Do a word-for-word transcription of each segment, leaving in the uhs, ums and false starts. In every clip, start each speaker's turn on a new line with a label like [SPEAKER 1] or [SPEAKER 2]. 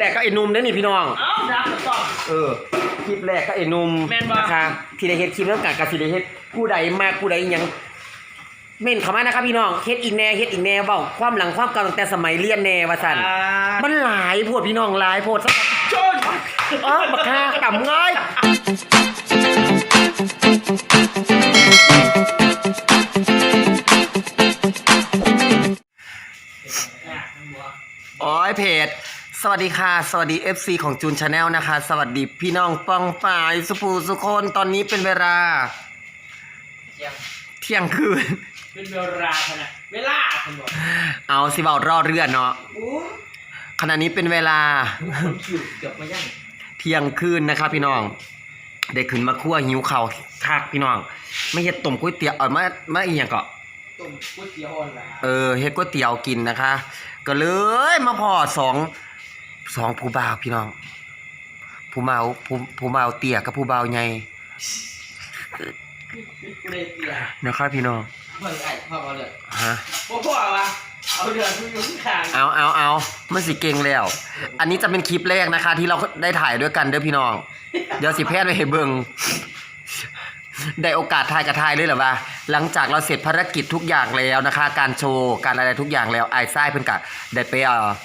[SPEAKER 1] รกก็ไอ้นุ่มเด้อนี่พี่น้อง
[SPEAKER 2] เอ้าดับต่อ
[SPEAKER 1] เออคลิปแรกก็ไอ้นุ่มนะคะที่ได้เฮ็ดคลิปแล้วกันกับที่ได้เฮ็ดผู้ใดมากผู้ใดยังเม่นเข้ามานะครับพี่น้องเฮ็ดอีกแน่เฮ็ดอีกแน่เว้าความหลังความเก่าตั้งแต่สมัยเรียนแน่ว่าซั่นมันหลายโพดพี่น้องหลายโพดซะจนอ๋อบักฮาต่ำง่ายอ๋อเพจสวัสดีค่ะสวัสดี เอฟ ซี ของจูนชาแนลนะคะสวัสดีพี่น้องป้องป่ายสุภูสุคนตอนนี้เป็นเวลาเที่ยงคืน
[SPEAKER 2] เป็นเวลาขนาดเวลาคุณบอก
[SPEAKER 1] เอาสิเบารอเรือนเนาะขณะนี้เป็นเวลาเที่ยงคืนนะครับพี่น้องได้ขึ้นมาคั่วหิวเข่าคักพี่น้องไม่เฮ็ดต้มก๋วยเตี๋ยวเออมามาอีหยังก็
[SPEAKER 2] ต้มก๋วยเตี๋ยวอ่อนละ
[SPEAKER 1] เออเฮ็ดก๋วยเตี๋ยวกินนะคะก็เลยมาพอสองสองผู้บ่าวพี่น้องผู้บ่าวผู้ผู้บ่าวเตี้ยกับผู้บ่าวใหญ่นะครับพี่น้อง
[SPEAKER 2] เฮ้ยไอ้พ่อเอาเลย
[SPEAKER 1] ฮะ
[SPEAKER 2] พ่อพ่อวะเอาเดือดผู้ยุ่งขาง
[SPEAKER 1] เอาเอาเอามันสิเก่งแล้วอันนี้จะเป็นคลิปแรกนะคะที่เราได้ถ่ายด้วยกันเด้อพี่น้องเดี๋ยวสิแพทย์ไปให้เบิ่งได้โอกาสถ่ายกับถ่ายเลยเหรอวะหลังจากเราเสร็จภารกิจทุกอย่างแล้วนะคะการโชว์การอะไรทุกอย่างแล้วไอ้ไส้เพิ่นกะได้ไปเอ่อ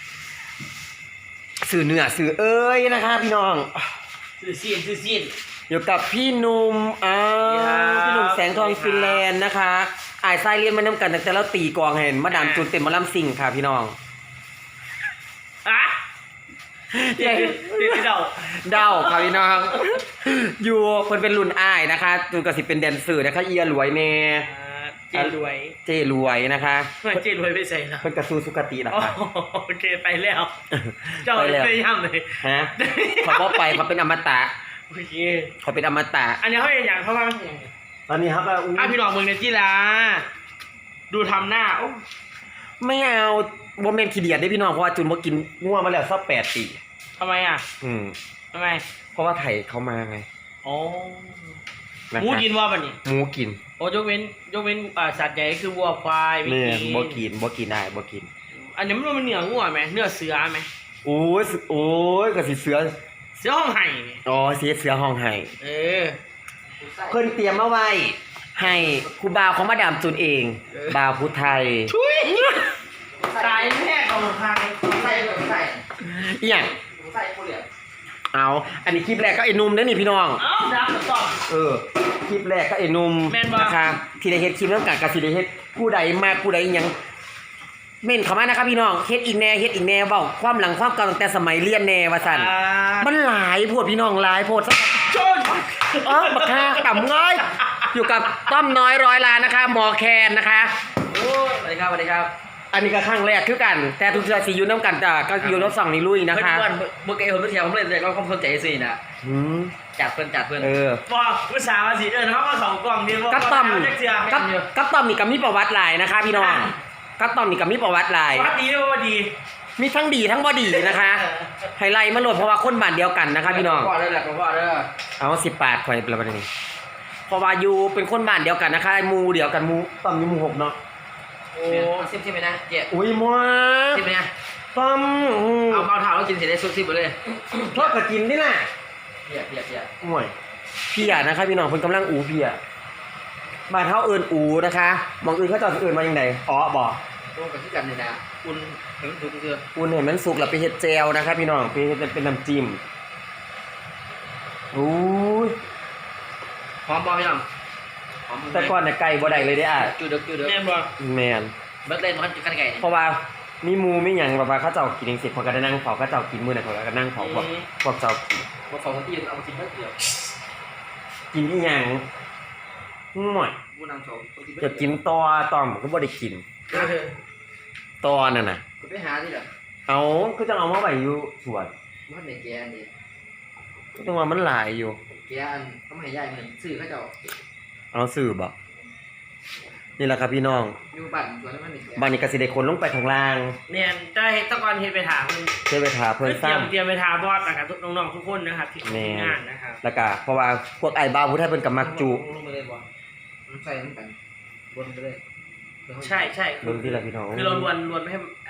[SPEAKER 1] สื่อเนื้อสื่อเอ้ยนะคะพี่น้อง
[SPEAKER 2] สื่อซีนสื่อซีน
[SPEAKER 1] อยู่กับพี่หนุ่มอ้าวพี่หนุ่มแสงทองฟินแลนด์นะคะไอ้ไส้เรียนมานำกันแต่เราตีกองเห็นมาดามจูนเต็มมาล่ำซิงค่ะพี่น้อง
[SPEAKER 2] อะเดี๋ยวเดี๋ยวเดา
[SPEAKER 1] เดาค่ะพี่น้องอยู่คนเป็นรุ่นอ้ายนะคะจูนก็สิเป็นแดนเซอร์นะคะเอียรวยแน่
[SPEAKER 2] เจรวย
[SPEAKER 1] เจรวยนะคะ
[SPEAKER 2] เจรวยไปใส่แล้ว
[SPEAKER 1] คนกระซูสุกติล่ะค่ะ
[SPEAKER 2] โอเคไปแล้วเจ้าไปย่ำเลย
[SPEAKER 1] ฮะเขาก็ไปเขาเป็นอมตะ
[SPEAKER 2] โอเค
[SPEAKER 1] เขาเป็นอมตะ
[SPEAKER 2] อันนี้เขาเป็นอย่างเขาว่า
[SPEAKER 1] ตอนนี้ครับ
[SPEAKER 2] อ่ะพี่น้องเมืองเนจิลาดูทำหน้า
[SPEAKER 1] ไม่เอาโมเมนต์ขี้เดียดได้พี่น้องเพราะว่าจุนบ่กินง่วงมาแล้วสักแปดปี
[SPEAKER 2] ทำไมอ่ะ
[SPEAKER 1] อืม
[SPEAKER 2] ทำไม
[SPEAKER 1] เพราะว่าไถ่เขามาไง
[SPEAKER 2] อ๋อหมูกินว่าป่ะนี่
[SPEAKER 1] หมูกิน
[SPEAKER 2] โอ้ยกเว้นยกเว้นอ่าสัตว์ใหญ่คือวัวควาย
[SPEAKER 1] ไม่กินบ่กินบ่กินได้บ่กิน
[SPEAKER 2] อันนี้มันมันเนื้องัวไหมเนื้อเสือไหม
[SPEAKER 1] โอ้ยโอ้ยก็สิเสือ
[SPEAKER 2] เสือห้องไห่
[SPEAKER 1] อ๋อเสือเสือห้องไห่
[SPEAKER 2] เออ
[SPEAKER 1] เพิ่นเตรียมมาไว้ให้ครูบ่าวของมาดามจูนเองบ่าวพุทธไทย
[SPEAKER 2] ชุยตายแม่ของไทยใส่ใส่
[SPEAKER 1] อีหยัง
[SPEAKER 2] ใส่ผู้เหลี่ยม
[SPEAKER 1] เอาอันนี้คลิปแรกก็ไอ้นุ่มเด้อนี่พี่น้อง
[SPEAKER 2] เอ้าดับต่อ
[SPEAKER 1] เออคลิปแรกก็ไอ้นุ่มนะคะที่ได้เฮ็ดคลิปแล้วกันกับที่ได้เฮ็ดผู้ใดมากผู้ใดยังเม่นเข้ามานะครับพี่น้องเฮ็ดอีกแน่เฮ็ดอีกแน่เว้าความหลังความเก่าตั้งแต่สมัยเรียนแน่ว่าซั่นมันหลายโพดพี่น้องหลายโพดซะจนอ๋อบักฮาต่ำง่ายอยู่กับต้อมน้อยร้อยล้านนะคะหมอแคนนะคะ
[SPEAKER 2] โอ้สวัสดีครับสวัสดีครับ
[SPEAKER 1] อันนี้ก็ครั้งแรกคือกันแต่ทุกเทื่อสิอยู่นำกันจ้ะก็อยู่รถสั่งนี่ลุยนะคะ
[SPEAKER 2] เพิ่นเมื่อกี้เพิ่นไปเที่ยวผมเลยแต่ก็สนใจสิน่ะ
[SPEAKER 1] อืม
[SPEAKER 2] จัดเพิ่นจัดเพิ่น
[SPEAKER 1] เออ
[SPEAKER 2] บ่ผู้สาวสิเอิ้นเฮามาสองกล่องนี่บ่
[SPEAKER 1] กับต้อมกับกับต้อมนี่ก็มีประวัติหลายนะคะพี่น้องกับต้อมนี่ก็มีประวัติหลาย
[SPEAKER 2] ประวัติดีบ่ดี
[SPEAKER 1] มีทั้งดีทั้งบ่ดีนะคะไฮไลท์มาโหลดเพราะว่าคนบ้านเดียวกันนะคะพี่น้อง
[SPEAKER 2] พ่อเด้อแหละพ่อเด้อ
[SPEAKER 1] เอาสิบบาทข่อยประมาณนี้เพราะว่าอยู่เป็นคนบ้านเดียวกันนะคะหมู่เดียวกันหมู่ต้อมอยู่หมู่หกเนาะ
[SPEAKER 2] โอ้ซิมซิมไปนะเจ๊
[SPEAKER 1] อุ้ยมัว
[SPEAKER 2] ซิมไปนะ
[SPEAKER 1] ต้อม
[SPEAKER 2] เอาเบาเท้าแล้วกินเสร็จได้ซุปซิมไปเลย
[SPEAKER 1] ทอดกระกินนี่แหละ
[SPEAKER 2] เพียเพียเพีย
[SPEAKER 1] ห่วยเพียนะคะพี่น้องเพิ่นกำลังอูเพียบ้านเฮาเอิ้นอูนะคะมองอื่นเขาจะเอิ้นมาจังได๋อ๋อบ่
[SPEAKER 2] ตรงกับที่กันนี่นะอุ่นเห็นสุกคือ
[SPEAKER 1] อุ่นเห็นมันสุกแล้วไปเฮ็ดแจ่วนะคะพี่น้องไปเฮ็ดเป็นน้ำจิ้มโอ้ย
[SPEAKER 2] หอมบ่พี่น้อง
[SPEAKER 1] แต่ก่อนเนี่ยไก่บ่ได้เลยเด้อ่ะ
[SPEAKER 2] จุดจุดแม่นบ่
[SPEAKER 1] แม่น
[SPEAKER 2] เบิดเล่นมันกันไก่
[SPEAKER 1] เพราะว่ามีหมูมีหยังแบบว่าเขาเจ้ากินจังซี่เขาก็ได้นั่งเฝ้าเขาเจ้ากินมื้อนั้นเขาก็นั่งเฝ้าพวกพวกเจ้ากิน
[SPEAKER 2] บ่เฝ้าที่เอามากินเบิดเดียว
[SPEAKER 1] กินอีหยังห่วย
[SPEAKER 2] บ่นั่งเฝ้า
[SPEAKER 1] จะกินตอตอมก็บ่ได้กินตอนั่นน่ะ
[SPEAKER 2] ก็ไปหาที่ล่ะ
[SPEAKER 1] เอาคือจังเอามาไว้อยู่สวน
[SPEAKER 2] มันได้แกอันนี้
[SPEAKER 1] ก็จังว่ามันหลายอยู่
[SPEAKER 2] แกอันทำให้ยายเหมือนซื้อเขาเจ้า
[SPEAKER 1] เอาซื้อบ่นี่แหละครับพี่น้อง
[SPEAKER 2] อยู่บ้านสวนมันนี่
[SPEAKER 1] บ้านนี้ก็สิได้คนลงไปข้างล่าง
[SPEAKER 2] เนี่ยจะเฮ็ดตะกอนเฮ็ดไปถามเพิ่น
[SPEAKER 1] เฮ็ดไปถามเพิ่น
[SPEAKER 2] ซ้ำเตรียมไปถามบอสนะครับน้องๆทุกคนนะครับที่งานนะครับ
[SPEAKER 1] แล้วก็เพราะว่าพวกไอ้บ้าผู้ไทยเพิ่นก็มักจุ
[SPEAKER 2] ลงไปเลยบ่ใส่น้ำกันวนไปเลยใช่ๆ
[SPEAKER 1] ลงที่ละพี่น้อง
[SPEAKER 2] คือเราลวนลวนให้อ่า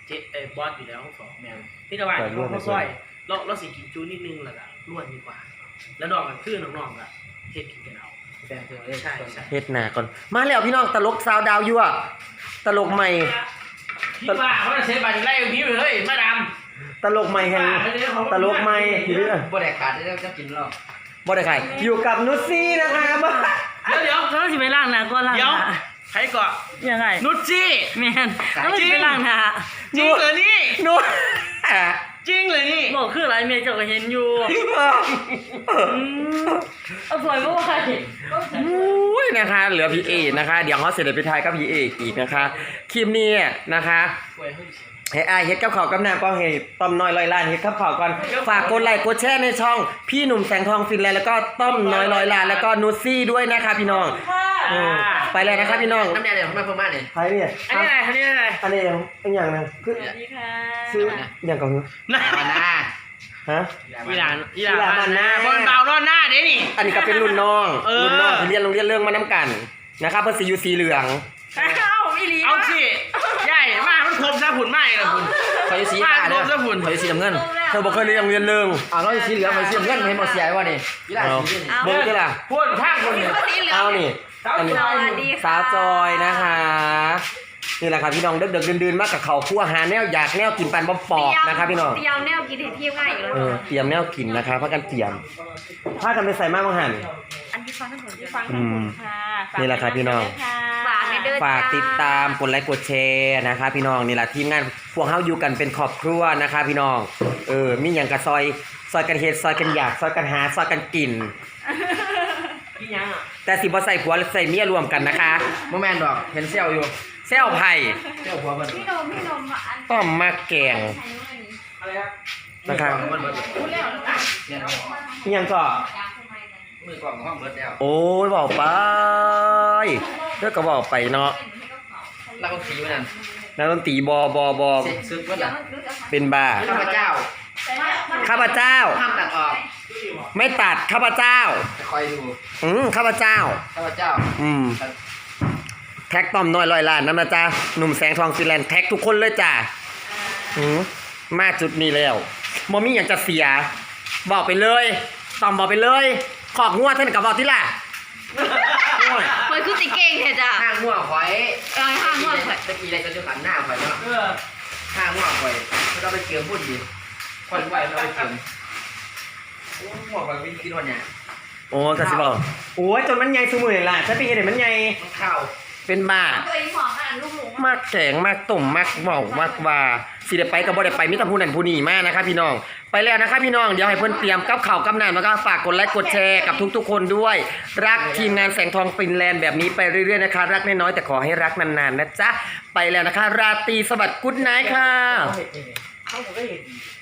[SPEAKER 2] เจ๊เอ้บอสอยู่แล้วห้องสองแมวพี่ตะวันเขาซอยเราเราสิกินจูนิดนึงแล้วก็ล้วนดีกว่า แล้วดอกกันคือน้องๆก็เฮ็ดกินกันเอาแฟนเธอใช่ใช่
[SPEAKER 1] เฮ็ดหน้าก่อนมาแล้วพี่น้องตลกสาวดาวยั่วตลกใหม่
[SPEAKER 2] พี่ว่าเขาจะเซฟบาร์ไล่พี่ไปเฮ้ยมาดาม
[SPEAKER 1] ตลกใหม่แห่งตลกใหม่ที่เรื่อง
[SPEAKER 3] บ่ได้ขาดได้จะกินหรอก
[SPEAKER 1] บ่ได้ใครอยู่กับนุชซี่นะคะ
[SPEAKER 2] เดี๋ยวเดี๋ยว
[SPEAKER 4] แล้วสิไปล้างหน้าก่อนล้างห
[SPEAKER 2] เดี๋ยว
[SPEAKER 4] น้า
[SPEAKER 2] ใครก่อน
[SPEAKER 4] ยังไง
[SPEAKER 2] นุชจี้
[SPEAKER 4] แม่นแล้วสิไปล้างหน้า
[SPEAKER 2] จริงเหรอนี่
[SPEAKER 1] นุช
[SPEAKER 2] จริงเลยนี่
[SPEAKER 4] บอกคืออะไรเมียเจ้าก็เห็นอยู่อืมเอาสวยบ่ว่าใคร
[SPEAKER 1] อุ้ยนะคะ เหลือพี่เอนะคะ เดี๋ยวเขาเสร็จไปทายกับพี่เอกอีกนะคะคลิปนี้นะคะเฮ้ยไอายเฮ็ดกับข่าวกับน้ำก็เฮ้ยต้อมน้อยลอยล้านเฮ็ดกับข่าวก่อนฝากกดไลค์กดแชร์ในช่องพี่หนุ่มแสงทองฟินแลนด์แล้วก็ต้อมน้อยลอยล้านแล้วก็นุชซี่ด้วยนะคะพี่น้องเออไปเลยนะคะพี่น้อง
[SPEAKER 3] น้ำยาเดี๋ยวมาเพิ่มมาเนี่ย
[SPEAKER 1] ใครเนี่ย
[SPEAKER 2] อันนี้อะไรอันนี้อะไร
[SPEAKER 1] อันนี้เป็นอย่างนึงคือ
[SPEAKER 4] สวัสดีค่ะ
[SPEAKER 1] ซื้ออย่างก่อน
[SPEAKER 2] นะ
[SPEAKER 3] มาหน้า
[SPEAKER 1] ฮะ
[SPEAKER 2] อีหลานอีห
[SPEAKER 1] อีหลา
[SPEAKER 2] ลาน น
[SPEAKER 1] มันหน้า
[SPEAKER 2] บอลเบานอนหน้าเด้นี่
[SPEAKER 1] อันนี้ก็เป็นรุ่นน้อง
[SPEAKER 2] เออ
[SPEAKER 1] รุ่นน้องที่เรียนโรงเรียนเรื่องมาน้ำกันนะครับเพื่อสีอยู่สีเหลือง
[SPEAKER 4] เอ้าอีหลี
[SPEAKER 2] เอาสิใหญ่มากมันคมซะหุ่นไม่ละคุณ
[SPEAKER 3] คอยสี
[SPEAKER 2] มา
[SPEAKER 3] ฟ้าก เด้
[SPEAKER 2] ค
[SPEAKER 3] อ
[SPEAKER 2] มซะหุ่น
[SPEAKER 3] คอยสีน้ำเงิน
[SPEAKER 1] เธอบอกเคยเรียนโรงเรียนเรื่อง
[SPEAKER 3] อ่าเราสีเหลืองคอยสีน้ำเงินไม่หมดเสียวะนี่ยี่ห้อสีนี่
[SPEAKER 1] เบิ้งก็ล่ะ
[SPEAKER 2] พูดข้างคนเนี่ย
[SPEAKER 1] เอานี่
[SPEAKER 2] สาว
[SPEAKER 1] อันนี้
[SPEAKER 2] จอย
[SPEAKER 1] สาวจอยนะคะนี่แหละครับพี่น้องเด็กๆดื่นๆมากกับเขาวคั่วหาแนวอยากแนวกินปันบ๊อบปอบนะครับพี่น้อง
[SPEAKER 5] เตรียมแนวกินให้เทียบง่ายอยู่แล้ว
[SPEAKER 1] เออเตรียมแนวกินนะคะพากันเตรียมพากันไปใส่มากมังหัน
[SPEAKER 5] อันที่ฟังทั้งหมดที่
[SPEAKER 4] ฟั
[SPEAKER 5] ฟั
[SPEAKER 4] ง
[SPEAKER 5] ง
[SPEAKER 4] ทั้งหมดค่ะฝ
[SPEAKER 1] นี่แหละครับพี่น้อง
[SPEAKER 5] ฝากในเด้อ
[SPEAKER 1] ฝากติดตามกดไลค์กดแชร์นะคะพี่น้องนี่แหละทีมงานพวกเฮาอยู่กันเป็นครอบครัวนะคะพี่น้องเออมีอย่างกับซอยซอยกันเฮ็ดซอยกันอยากซอยกันหาซอยกันกิน
[SPEAKER 2] พี่ยังอ่ะ
[SPEAKER 1] แต่สิบ่ใส่ผัวใส่เมียรวมกันนะคะ
[SPEAKER 3] โมแมนดอกเห็นเซี่ยวอยู่
[SPEAKER 1] แซวไผ่
[SPEAKER 3] เซี่ยวหัวมัน
[SPEAKER 5] พี่นมพี่นมอัน
[SPEAKER 1] ต้อมมาแกง
[SPEAKER 2] อะไรครับ
[SPEAKER 1] นะครับ
[SPEAKER 3] มันเบิด
[SPEAKER 5] พูดแล้ว
[SPEAKER 3] เนี่ย
[SPEAKER 1] อิหยังก็
[SPEAKER 3] มือกล่องห้องเบิดแล้ว
[SPEAKER 1] โอ้ยบอกไปเด้อก็บอกไปเนาะ
[SPEAKER 3] แล้วก็สีมันนั่น
[SPEAKER 1] นักดนตรีบอบอบอ
[SPEAKER 3] เซ็ตซึกมัน
[SPEAKER 5] เดี๋ยว
[SPEAKER 3] น่ะ
[SPEAKER 5] มันรู้จะ
[SPEAKER 1] เป็นบ้า
[SPEAKER 3] ข้าพเจ้า
[SPEAKER 1] ข้าพเจ้า
[SPEAKER 3] ห้ามตัดออก
[SPEAKER 1] ไม่ตัดข้าพเจ้า
[SPEAKER 3] จะคอยดู
[SPEAKER 1] อืมข้าพเจ้า
[SPEAKER 3] ข้าพเจ้า
[SPEAKER 1] อืมแท็กต้อมน้อยลอยล้านนั่นนะจ๊ะหนุ่มแสงทองฟินแลนด์แท็กทุกคนเลยจ้ะอืมมาจุดนี้แล้วมอมี่อย่างจะเสีย บอกไปเลยต้อมบอกไปเลย ขอกงวดเท่านกับบอกที่ล่ะโอ้ย
[SPEAKER 5] เฮ้ยคือติเก่งแท้จ้ะ
[SPEAKER 3] ห้างมั่วข่อย
[SPEAKER 5] เออห้างมั่วข่อย
[SPEAKER 3] ตะกี้อะไรจะจะขันหน้าข่อยเนาะ
[SPEAKER 2] เออ
[SPEAKER 3] ห้างมั่วข่อยเราไปเกี่ยวพูดดีข่อยไหวเราไปเกี่ยวโอ้มั่วข่อยไม่คิดว่าเนี่ย
[SPEAKER 1] โอ้กระสิบอกโอ้ยจนมันใหญ่สมือล่ะฉันไปเห็นเห็นมันใหญ่
[SPEAKER 3] มันเข้า
[SPEAKER 1] เป็นบ้า
[SPEAKER 5] ตัวเองหอมขนาดลูกหมู
[SPEAKER 1] มากแกงมากตุ่มมากเบามากว่าสิได้ไปกับบ่ได้ไปมิตรผู้นั้นผู้นี้มากนะครับพี่น้องไปแล้วนะครับพี่น้องเดี๋ยวให้เพิ่นเตรียมกับข่าวกับน้ำแล้วก็ฝากกดไลค์กดแชร์กับทุกๆคนด้วย รักทีมงานแสงทองฟินแลนด์แบบนี้ไปเรื่อยๆนะคะรักน้อยๆแต่ขอให้รักนานๆนะจ๊ะไปแล้วนะคะราตรีสวัสดิ์กุ๊ดไนท์ค่ะ
[SPEAKER 2] เขาเห็นเขาก็เห็นดี